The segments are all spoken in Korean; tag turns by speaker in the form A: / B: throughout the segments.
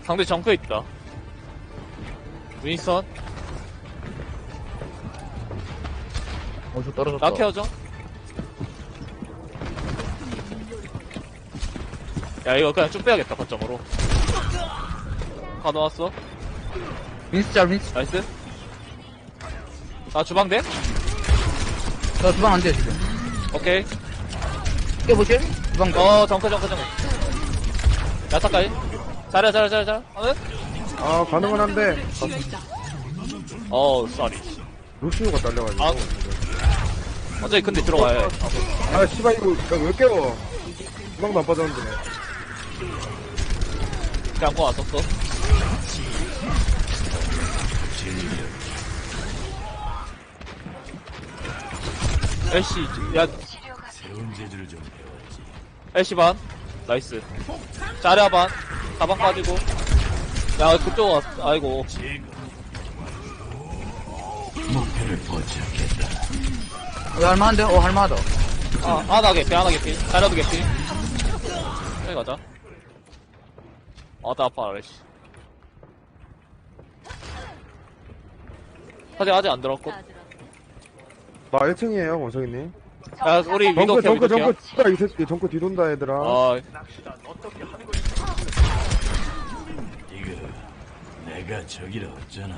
A: 상대 정크에 있다. 윈스턴.
B: 저 떨어졌다.
A: 나 케어줘. 야, 이거 그냥 쭉 빼야겠다, 거점으로. 가져왔어.
B: 윈스 짤, 윈스.
A: 나이스. 나 주방대?
B: 저 주방 안 돼, 지금.
A: 오케이.
B: 깨보실? 주방 돼.
A: 정크. 야타까지. 잘해.
C: 아, 가능은 한데.
A: 쏘리.
C: 루시오가 딸려가지고.
A: 아. 어차피 근데 들어가야 해.
C: 아, 씨발, 이거, 왜 깨워? 주방도 안 빠졌는데.
A: 그냥 거 왔었어. 애쉬, 야. 애쉬 반. 나이스. 자랴 반. 가방 빠지고. 야, 그쪽 왔, 아이고.
B: 할만한데? 할만하다.
A: 하나 개피. 자랴도 개피. 여기 가자. 나 아파, 애쉬. 아직 안 들었고.
C: 나 1층이에요, 원석이님.
A: 야, 우리 위도
C: 정크,
A: 케어.
C: 진짜 이 새끼, 정크 뒤돈다, 얘들아.
D: 이거 내가 저기라 없잖아.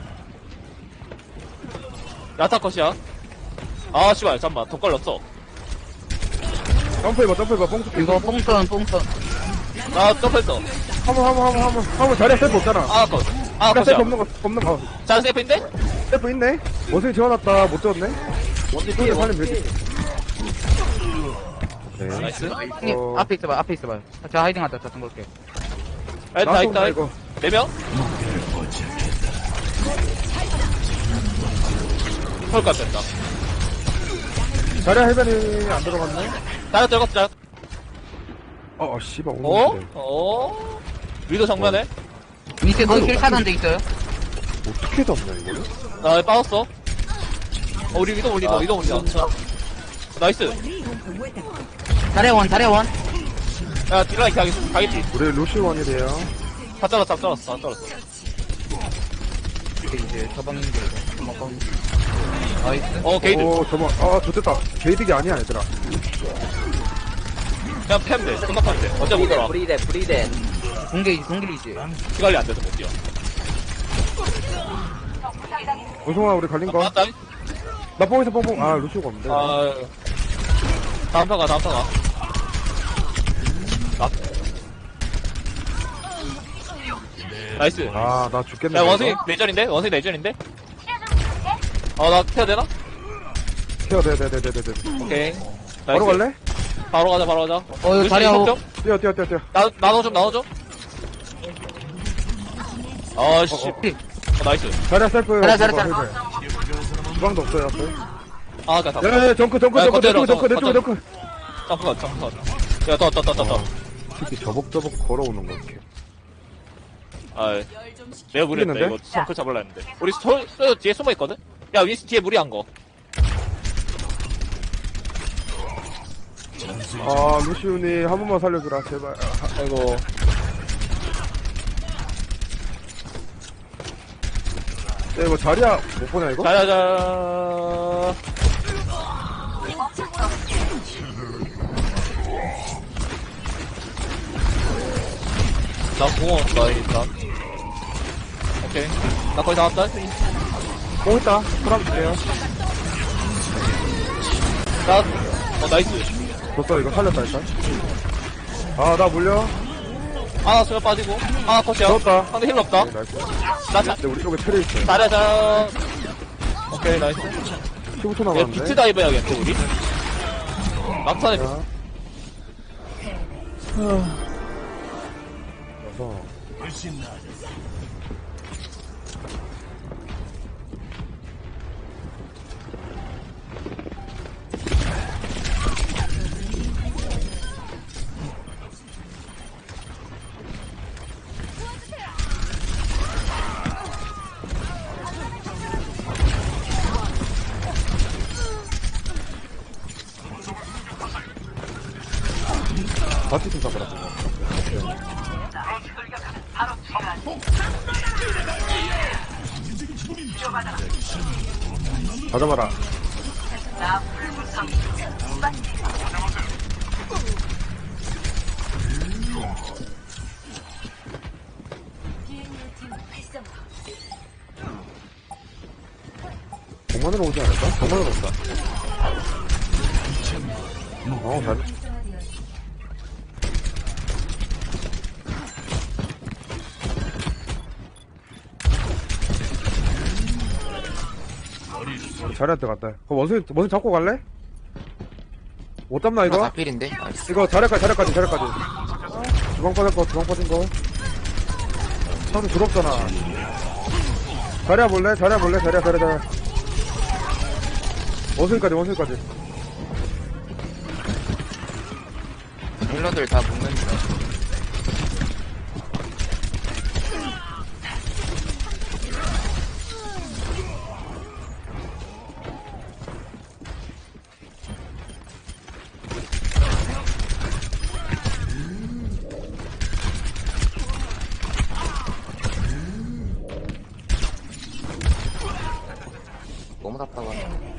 A: 야타컷이야. 씨발, 잠깐만. 더 걸렸어.
C: 점프해봐, 뽕
B: 이거 뽕선.
A: 나 점프했어.
C: 한번 자리에 셀프 없잖아.
A: 컷.
C: 셀프
A: 컷이야.
C: 없는 거.
A: 자, 세이프인데?
C: 셀프 있네? 원석이 지원왔다, 못 지웠네?
A: 원딜
C: 이쪽에
A: 피해.
C: 살리면 되지. 네.
A: 나이스.
B: 형님, 앞에 있어봐. 제가 하이딩하다, 자, 볼게.
A: 다 있다.
C: 이거.
A: 4명? 헐까 됐다.
C: 자리에 해변이 안 들어갔네?
A: 자력 들어갔어.
C: 씨발, 오는데.
A: 위도 정면에?
B: 윈스 힐 차단 돼 있어요?
C: 어떻게 잡냐, 이거를?
A: 나 빠졌어. 우리 위도 올린다. 나이스.
B: 자리원.
A: 야, 딜라이 가겠지.
C: 우리 루시원이래요.
A: 다 잘랐어.
B: 이제 저방인데, 나이스.
A: 게이드.
C: 좋됐다. 게이득이 아니야, 얘들아.
A: 그냥 팸 돼. 금방 팸 돼. 어차피 못 들어와.
E: 브리덴.
B: 공개이지.
A: 피 관리 안 돼서 못 뛰어.
C: 원성아, 우리 갈린 거.
A: 맞다.
C: 나 뽕에서 뽕. 루시오가 없는데.
A: 다음 타가. 나이스.
C: 나 죽겠네.
A: 야,
C: 이거.
A: 원숭이 내전인데? 나 태야 되나?
C: 튀어, 네.
A: 오케이.
C: 바로
A: 나이스.
C: 갈래?
A: 바로 가자.
B: 이거
A: 루시
B: 자리하고.
A: 좀?
C: 뛰어.
A: 나눠줘. 씨. 나이스.
C: 자리야, 셀프.
B: 자리야.
C: 주방도 없어요, 앞에.
A: 나
C: 야, 정크.
A: 거쳐요,
C: 점프.
A: 점프. 야, 떠.
C: 특히 저벅저벅 걸어오는 거, 이렇게.
A: 내가 무리했다.
C: 풀리는데?
A: 이거 정크 잡으려 했는데. 우리 뒤에 숨어있거든? 야, 윈스 뒤에 무리한 거.
C: 루시온이 한 번만 살려주라, 제발.
A: 아이고.
C: 이거 자리야, 못 보냐, 이거?
A: 자자자. 나 공원 나 일단. 오케이. 나 거의 다 왔다.
C: 뽕 있다. 프람 주세요.
A: 나이스.
C: 줬어, 이거 살렸다, 일단. 나 물려.
A: 하나 수면 빠지고. 하나 컷이야.
C: 좋았다.
A: 상대 힐 없다.
C: 네, 나이스.
A: 나
C: 근데 우리 쪽에 틀에 있어요.
A: 자자자. 오케이, 나이스.
C: 15초
A: 얘
C: 남았는데.
A: 비트 다이브 해야겠는데, 우리? 막판에
C: 자. 그래서.
D: 훨씬 나아졌어.
C: 바티 좀 잡아라. 다 잡아라. 정만으로 오지 않을까? 정만으로 온다. 잘. 자리한테 갔다. 그럼 원숭이 잡고 갈래? 못 잡나,
E: 이거
C: 이거?
E: 다 필인데? 나이스.
C: 이거 자리까지. 주방 빠진 거. 차도 부럽잖아. 자리야 볼래? 자리야. 원숭이까지.
E: 힐러들 다 묶는 중. 너무 답답하네.